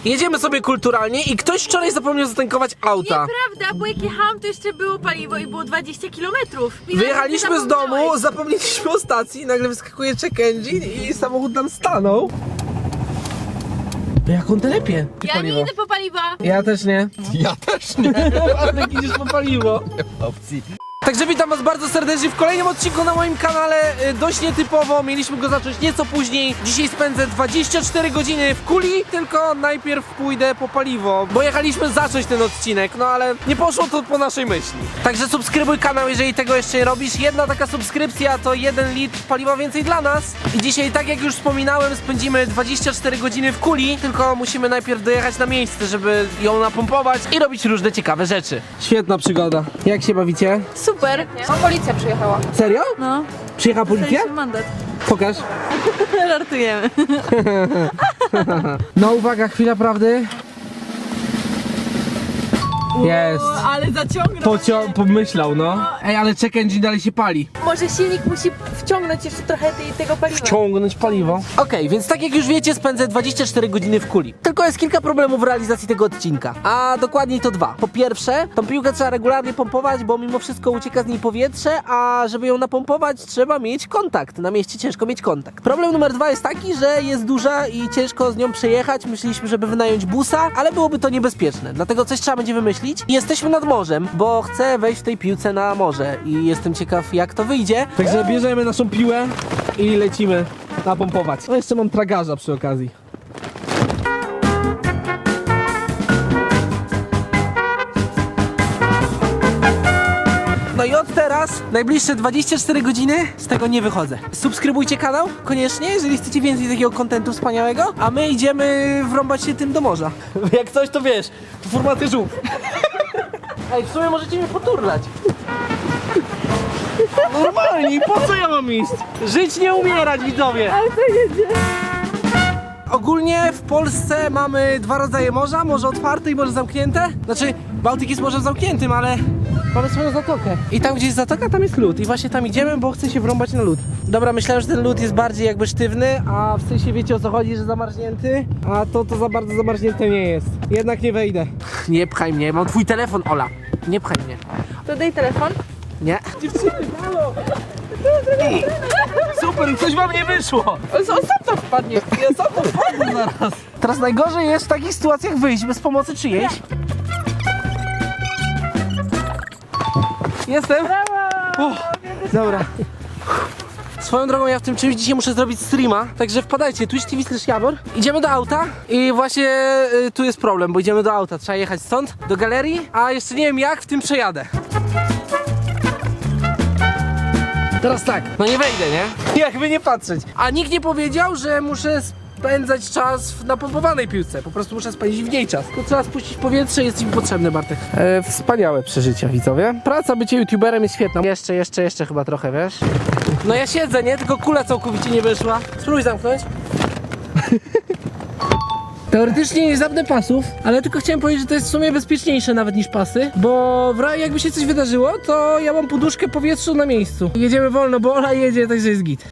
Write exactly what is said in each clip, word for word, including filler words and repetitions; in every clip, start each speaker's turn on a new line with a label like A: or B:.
A: jedziemy sobie kulturalnie i ktoś wczoraj zapomniał zatankować auta.
B: Nieprawda, bo jak jechałam, to jeszcze było paliwo i było dwadzieścia kilometrów.
A: Wyjechaliśmy z domu, zapomnieliśmy o stacji i nagle wyskakuje check engine i samochód nam stanął. Jak on telepie?
B: Ja nie idę po paliwa.
A: Ja też nie.
C: Ja też nie.
A: Ale idziesz po paliwo.
C: Opcji.
A: Także witam was bardzo serdecznie w kolejnym odcinku na moim kanale. Dość nietypowo, mieliśmy go zacząć nieco później. Dzisiaj spędzę dwadzieścia cztery godziny w Kuli, tylko najpierw pójdę po paliwo, bo jechaliśmy zacząć ten odcinek, no ale nie poszło to po naszej myśli. Także subskrybuj kanał, jeżeli tego jeszcze nie robisz. Jedna taka subskrypcja to jeden litr paliwa więcej dla nas. I dzisiaj, tak jak już wspominałem, spędzimy dwadzieścia cztery godziny w Kuli, tylko musimy najpierw dojechać na miejsce, żeby ją napompować i robić różne ciekawe rzeczy. Świetna przygoda. Jak się bawicie?
B: Super.
D: No, policja przyjechała.
A: Serio?
B: No,
A: Przyjechała policja?
B: mandat.
A: Pokaż.
B: Żartujemy.
A: No uwaga, chwila prawdy. Jest.
B: Ale zaciągnął.
A: Pocio pomyślał, no. Ej, ale check engine dalej się pali.
B: Może silnik musi wciągnąć jeszcze trochę tej, tego paliwa.
A: Wciągnąć paliwo. Okej, okay, więc tak jak już wiecie, spędzę dwadzieścia cztery godziny w Kuli. Tylko jest kilka problemów w realizacji tego odcinka. A dokładniej to dwa. Po pierwsze, tą piłkę trzeba regularnie pompować, bo mimo wszystko ucieka z niej powietrze, a żeby ją napompować, trzeba mieć kontakt. Na mieście ciężko mieć kontakt. Problem numer dwa jest taki, że jest duża i ciężko z nią przejechać. Myśleliśmy, żeby wynająć busa, ale byłoby to niebezpieczne. Dlatego coś trzeba będzie wymyślić. Jesteśmy nad morzem, bo chcę wejść w tej piłce na morze i jestem ciekaw, jak to wyjdzie. Także bierzemy naszą piłę i lecimy napompować. No jeszcze mam tragarza przy okazji. No i od teraz najbliższe dwadzieścia cztery godziny z tego nie wychodzę. Subskrybujcie kanał koniecznie, jeżeli chcecie więcej takiego kontentu wspaniałego, a my idziemy wrąbać się tym do morza. Jak coś, to wiesz, to formaty żółw. Ej, w sumie możecie mnie poturlać. Normalnie, po co ja mam iść? Żyć, nie umierać, widzowie. Ale to jedzie. Ogólnie w Polsce mamy dwa rodzaje morza, morze otwarte i morze zamknięte. Znaczy, Bałtyk jest morzem zamkniętym, ale mamy swoją zatokę. I tam, gdzie jest zatoka, tam jest lód. I właśnie tam idziemy, bo chcę się wrąbać na lód. Dobra, myślałem, że ten lód jest bardziej jakby sztywny, a w sensie wiecie, o co chodzi, że zamarznięty, a to to za bardzo zamarznięte nie jest. Jednak nie wejdę. Nie pchaj mnie, mam twój telefon, Ola. Nie pchaj mnie.
B: To daj telefon.
A: Nie. Dziewczyny, halo! Ej, super, coś wam nie wyszło!
B: On sam to wpadnie.
A: Ja sam to wpadnę zaraz. Teraz najgorzej jest w takich sytuacjach wyjść bez pomocy czyjejś. Jestem? Brawo! Dobra. Swoją drogą, ja w tym czymś dzisiaj muszę zrobić streama, także wpadajcie, Twitch T V slash Jawor. Idziemy do auta i właśnie y, tu jest problem, bo idziemy do auta, trzeba jechać stąd, do galerii, a jeszcze nie wiem jak w tym przejadę. Teraz tak, no nie wejdę, nie? Jakby nie patrzeć. A nikt nie powiedział, że muszę spędzać czas w napompowanej piłce. Po prostu muszę spędzić w niej czas. Tu trzeba spuścić powietrze, jest mi potrzebny, Bartek. E, wspaniałe przeżycia, widzowie. Praca bycie youtuberem jest świetna. Jeszcze, jeszcze, jeszcze chyba trochę, wiesz? No ja siedzę, nie? Tylko kula całkowicie nie wyszła. Spróbuj zamknąć. Teoretycznie nie zapnę pasów, ale tylko chciałem powiedzieć, że to jest w sumie bezpieczniejsze nawet niż pasy, bo w razie jakby się coś wydarzyło, to ja mam poduszkę powietrzu na miejscu. Jedziemy wolno, bo Ola jedzie, także jest git.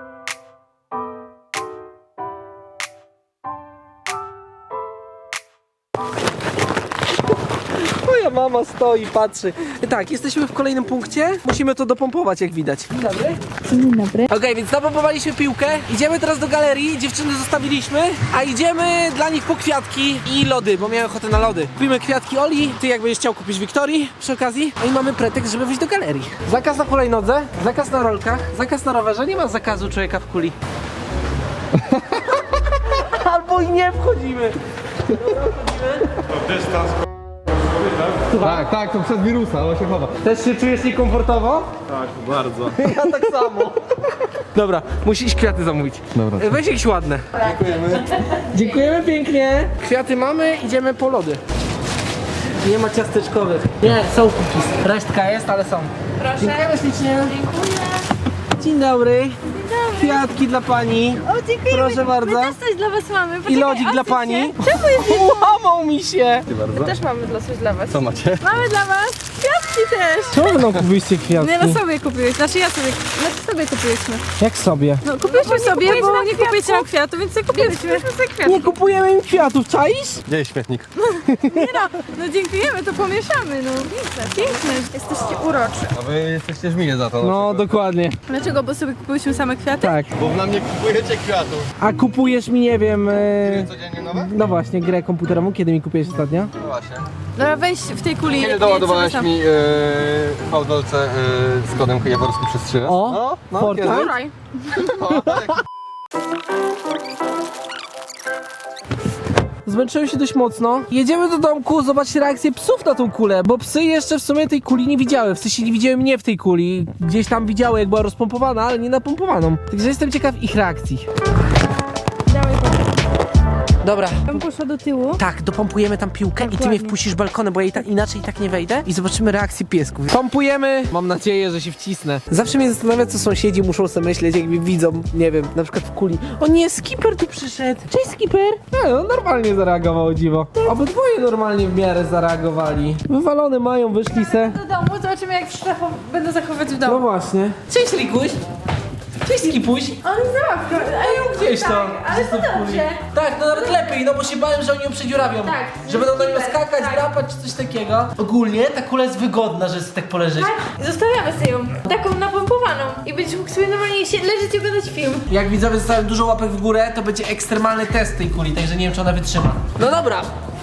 A: Moja mama stoi, patrzy. Tak, jesteśmy w kolejnym punkcie. Musimy to dopompować, jak widać. Dzień dobry.
B: Dzień dobry.
A: Okej, okay, więc napompowaliśmy piłkę. Idziemy teraz do galerii. Dziewczyny zostawiliśmy, a idziemy dla nich po kwiatki i lody, bo miałem ochotę na lody. Kupimy kwiatki Oli. Ty jak będziesz chciał kupić Wiktorii przy okazji. A i mamy pretekst, żeby wyjść do galerii. Zakaz na hulajnodze, zakaz na rolkach, zakaz na rowerze. Nie ma zakazu człowieka w kuli. Albo i nie wchodzimy.
C: To dystans. Tak, tak, to przez wirusa, on się chowa.
A: Też się czujesz niekomfortowo?
C: Tak, bardzo.
A: Ja tak samo. Dobra, musisz kwiaty zamówić.
C: Dobra.
A: E, Weź jakieś ładne.
C: Dziękujemy.
A: Dziękujemy pięknie. Kwiaty mamy, idziemy po lody. Nie ma ciasteczkowych. Nie, są cookies. Resztka jest, ale są.
B: Proszę.
A: Dziękujemy ślicznie.
B: Dziękuję.
A: Dzień dobry. Kwiatki dla pani.
B: O, dziękuję.
A: Proszę
B: my,
A: bardzo.
B: My też coś dla was mamy.
A: I
B: Poczekaj,
A: lodzik dla
B: odsuń
A: pani.
B: się. Czemu jest?
A: Łamał mi się.
C: Dziękuję bardzo.
D: Też mamy dla coś dla was.
C: Co macie?
B: Mamy dla was kwiatki też.
A: Czemu no kupiliście kwiatki?
B: Nie, no sobie kupiłeś, znaczy ja sobie, znaczy sobie kupiłyśmy.
A: Jak sobie?
B: No kupiłyśmy sobie, bo nie kupujecie nam kwiatu, więc sobie kupiłyśmy sobie kwiatki.
A: Nie kupujemy im kwiatów, czaisz?
C: Gdzie jest śmietnik?
B: Nie no, no dziękujemy, to pomieszamy, no. Piękne, piękne, jesteście uroczy.
C: A wy jesteście żminie za to.
A: No, dokładnie.
B: Dlaczego? Bo sobie kupiłyśmy same kwiaty?
A: Tak.
C: Bo na mnie kupujecie kwiatów.
A: A kupujesz mi, nie wiem... E...
C: Codziennie nowe?
A: No właśnie, grę komputerową, kiedy mi kupiłeś ostatnio?
C: No właśnie.
B: Dobra, weź w tej kuli.
C: Kiedy
B: nie,
C: doładowałeś
B: co tam?
C: mi yy, fałdolce yy, z kodem jaworskim przez trzy?
A: O,
C: no, no,
A: Fortnite?
C: kiedy?
B: Wczoraj.
C: O, tak.
A: Zmęczyłem się dość mocno. Jedziemy do domku zobaczyć reakcję psów na tą kulę, bo psy jeszcze w sumie tej kuli nie widziały. W sensie nie widziały mnie w tej kuli. Gdzieś tam widziały, jak była rozpompowana, ale nie napompowaną. Także jestem ciekaw ich reakcji.
B: Dawaj,
A: Dobra.
B: bym poszła do tyłu.
A: Tak, dopompujemy tam piłkę i ty mnie
B: Dokładnie.
A: wpuścisz balkonem, bo ja i ta, inaczej i tak nie wejdę i zobaczymy reakcję piesków. Pompujemy. Mam nadzieję, że się wcisnę. Zawsze mnie zastanawia, co sąsiedzi muszą sobie myśleć, jakby widzą, nie wiem, na przykład w kuli. O nie, Skipper tu przyszedł. Cześć, Skipper. Nie, no normalnie zareagował, o dziwo. Obydwoje normalnie w miarę zareagowali. Wywalone mają, wyszli se.
B: Do domu, zobaczymy jak się zachow- będą zachowywać w
A: No
B: domu.
A: właśnie. Cześć, Likuś. Cześć, Skipuś.
B: On zabawka, ale
A: Gdzieś to.
B: tak, ale to dobrze.
A: Tak, no nawet lepiej, no bo się bałem, że oni ją przedziurawią.
B: Tak,
A: Że będą na nią
B: super,
A: skakać,
B: tak.
A: drapać czy coś takiego. Ogólnie ta kula jest wygodna, że jest tak poleżeć.
B: Tak, zostawiamy sobie ją, taką napompowaną i będziesz mógł sobie normalnie się leżeć i oglądać film.
A: Jak widzowie zostawią dużo łapek w górę, to będzie ekstremalny test tej kuli, także nie wiem, czy ona wytrzyma. No dobra.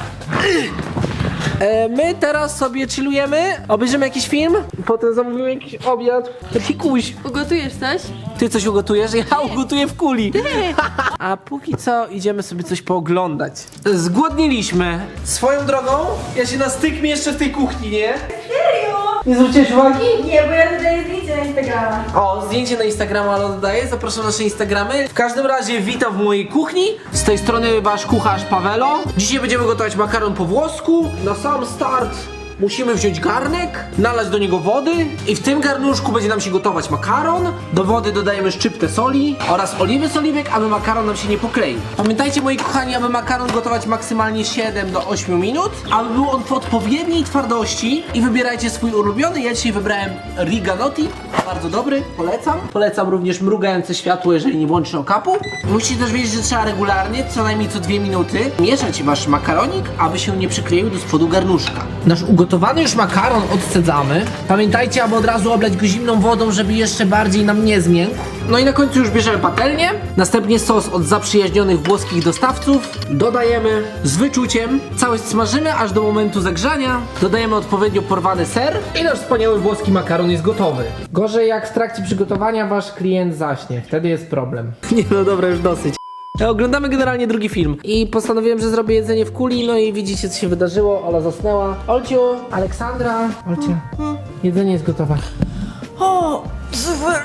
A: E, my teraz sobie chillujemy, obejrzymy jakiś film, potem zamówimy jakiś obiad. Pikuś,
B: Ugotujesz coś?
A: ty coś ugotujesz? Ja ugotuję w kuli. A póki co idziemy sobie coś pooglądać. Zgłodniliśmy. Swoją drogą, ja się nastykmię jeszcze w tej kuchni, nie?
B: Serio?
A: Nie zwróciłeś uwagi?
B: Nie, bo ja dodaję zdjęcie na Instagrama.
A: O, zdjęcie na Instagrama ale dodaję, zapraszam na nasze Instagramy. W każdym razie witam w mojej kuchni. Z tej strony wasz kucharz Pawelo. Dzisiaj będziemy gotować makaron po włosku. Na sam start musimy wziąć garnek, nalać do niego wody i w tym garnuszku będzie nam się gotować makaron. Do wody dodajemy szczyptę soli oraz oliwy z oliwek, aby makaron nam się nie pokleił. Pamiętajcie, moi kochani, aby makaron gotować maksymalnie siedem do ośmiu minut, aby był on w odpowiedniej twardości i wybierajcie swój ulubiony. Ja dzisiaj wybrałem Riganotti, bardzo dobry, polecam. Polecam również mrugające światło, jeżeli nie włączy okapu. Musicie też wiedzieć, że trzeba regularnie, co najmniej co dwie minuty, mieszać wasz makaronik, aby się nie przykleił do spodu garnuszka. Nasz ugotowany już makaron odcedzamy. Pamiętajcie, aby od razu oblać go zimną wodą, żeby jeszcze bardziej nam nie zmiękł. No i na końcu już bierzemy patelnię, następnie sos od zaprzyjaźnionych włoskich dostawców. Dodajemy z wyczuciem, całość smażymy aż do momentu zagrzania. Dodajemy odpowiednio porwany ser i nasz wspaniały włoski makaron jest gotowy. Gorzej jak w trakcie przygotowania wasz klient zaśnie, wtedy jest problem. Nie no dobra, już dosyć. Oglądamy generalnie drugi film i postanowiłem, że zrobię jedzenie w kuli, no i widzicie, co się wydarzyło. Ola zasnęła. Olciu, Aleksandra. Olciu, jedzenie jest gotowe.
B: O, super.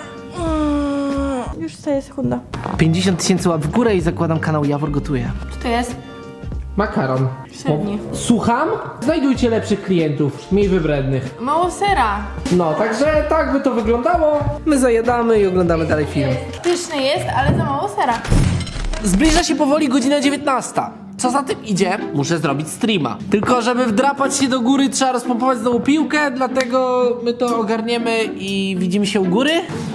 B: Mm, już staje sekunda.
A: pięćdziesiąt tysięcy łap w górę i zakładam kanał Jawor Gotuje.
B: Co to jest?
A: Makaron.
B: Średni.
A: Słucham? Znajdujcie lepszych klientów, mniej wybrednych.
B: Mało sera.
A: No, także tak by to wyglądało. My zajadamy i oglądamy dalej film.
B: Pyszny jest, ale za mało sera.
A: Zbliża się powoli godzina dziewiętnasta. Co za tym idzie? Muszę zrobić streama. Tylko żeby wdrapać się do góry, trzeba rozpompować znowu piłkę, dlatego my to ogarniemy i widzimy się u góry.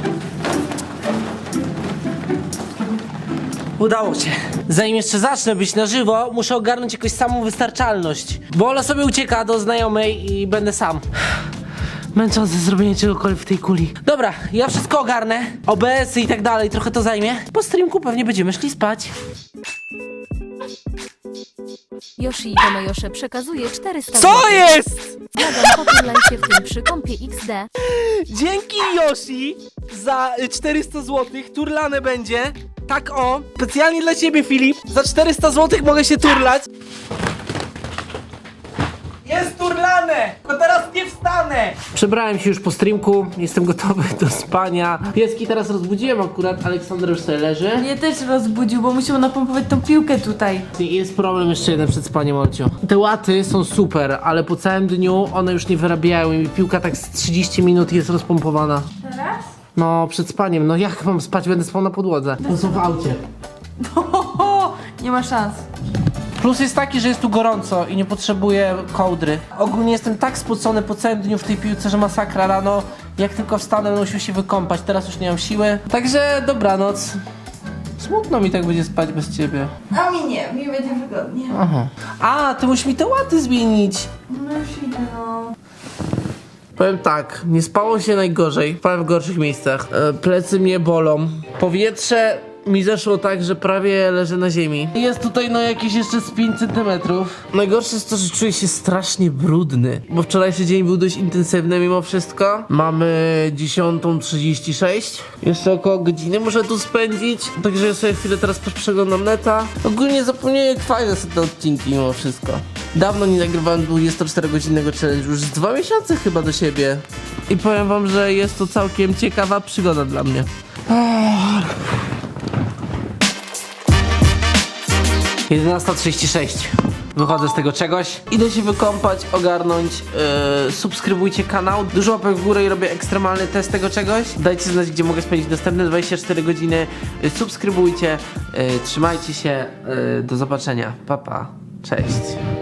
A: Udało się. Zanim jeszcze zacznę być na żywo, muszę ogarnąć jakoś samą wystarczalność. Bo Ola sobie ucieka do znajomej i będę sam. Męczące zrobienie czegokolwiek w tej kuli. Dobra, ja wszystko ogarnę. O B S-y i tak dalej, trochę to zajmie. Po streamku pewnie będziemy szli spać.
D: Yoshi Tomoyosze przekazuje czterysta
A: Co
D: złotych.
A: jest?
D: Błagam, pochylaj się w tym przy kąpie X D.
A: Dzięki Yoshi za y, czterysta złotych. Turlane będzie. Tak o. Specjalnie dla ciebie, Filip. Za czterysta złotych mogę się turlać. Jest turlane! Tylko teraz nie wstanę! Przebrałem się już po streamku, jestem gotowy do spania. Pieski teraz rozbudziłem akurat, Aleksander już sobie leży.
B: Mnie też rozbudził, bo musiał napompować tą piłkę tutaj.
A: I jest problem jeszcze jeden przed spaniem, Olciu. Te łaty są super, ale po całym dniu one już nie wyrabiają i piłka tak z trzydzieści minut jest rozpompowana.
B: Teraz?
A: No, przed spaniem, no jak mam spać, będę spał na podłodze. To są w aucie.
B: Ho, ho, ho. Nie ma szans.
A: Plus jest taki, że jest tu gorąco i nie potrzebuję kołdry. Ogólnie jestem tak spocony po całym dniu w tej piłce, że masakra. Rano, jak tylko wstanę, będę musiał się wykąpać. Teraz już nie mam siły. Także dobranoc. Smutno mi tak będzie spać bez ciebie.
B: A mi nie, mi będzie wygodnie.
A: Aha. A, ty musisz mi te łaty zmienić.
B: No już idę, no.
A: Powiem tak, nie spało się najgorzej, powiem w gorszych miejscach. E, plecy mnie bolą. Powietrze mi zeszło tak, że prawie leżę na ziemi. Jest tutaj no jakieś jeszcze z pięć centymetrów. Najgorsze jest to, że czuję się strasznie brudny, bo wczorajszy dzień był dość intensywny mimo wszystko. Mamy dziesiąta trzydzieści sześć. Jeszcze około godziny muszę tu spędzić, także ja sobie chwilę teraz przeglądam neta. Ogólnie zapomniałem, jak fajne są te odcinki mimo wszystko. Dawno nie nagrywałem dwudziestoczterogodzinnego challenge, już z dwa miesiące chyba do siebie. I powiem wam, że jest to całkiem ciekawa przygoda dla mnie. jedenasta trzydzieści sześć. Wychodzę z tego czegoś. Idę się wykąpać, ogarnąć. Yy, subskrybujcie kanał. Dużo łapek w górę i robię ekstremalny test tego czegoś. Dajcie znać, gdzie mogę spędzić następne dwadzieścia cztery godziny. Yy, subskrybujcie. Yy, trzymajcie się. Yy, do zobaczenia. Pa, pa. Cześć.